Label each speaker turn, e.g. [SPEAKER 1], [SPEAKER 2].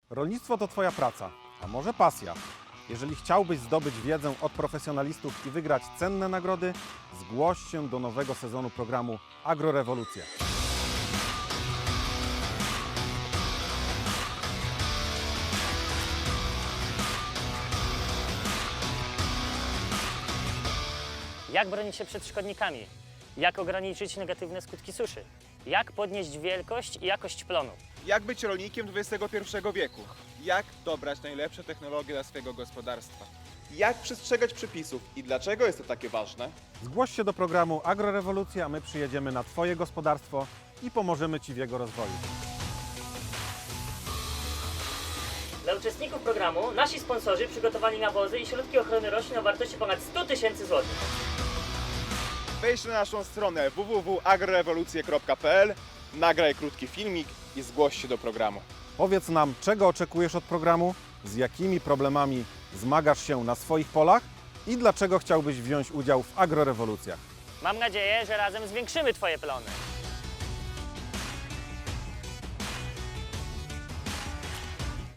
[SPEAKER 1] Rolnictwo to Twoja praca, a może pasja. Jeżeli chciałbyś zdobyć wiedzę od profesjonalistów i wygrać cenne nagrody, zgłoś się do nowego sezonu programu Agrorewolucja.
[SPEAKER 2] Jak bronić się przed szkodnikami? Jak ograniczyć negatywne skutki suszy? Jak podnieść wielkość i jakość plonu?
[SPEAKER 3] Jak być rolnikiem XXI wieku? Jak dobrać najlepsze technologie dla swojego gospodarstwa? Jak przestrzegać przepisów i dlaczego jest to takie ważne?
[SPEAKER 1] Zgłoś się do programu Agrorewolucja, a my przyjedziemy na Twoje gospodarstwo i pomożemy Ci w jego rozwoju.
[SPEAKER 2] Dla uczestników programu nasi sponsorzy przygotowali nawozy i środki ochrony roślin o wartości ponad 100 000 złotych.
[SPEAKER 3] Wejdź na naszą stronę www.agrorewolucje.pl, nagraj krótki filmik i zgłoś się do programu.
[SPEAKER 1] Powiedz nam, czego oczekujesz od programu, z jakimi problemami zmagasz się na swoich polach i dlaczego chciałbyś wziąć udział w agrorewolucjach.
[SPEAKER 2] Mam nadzieję, że razem zwiększymy Twoje plony.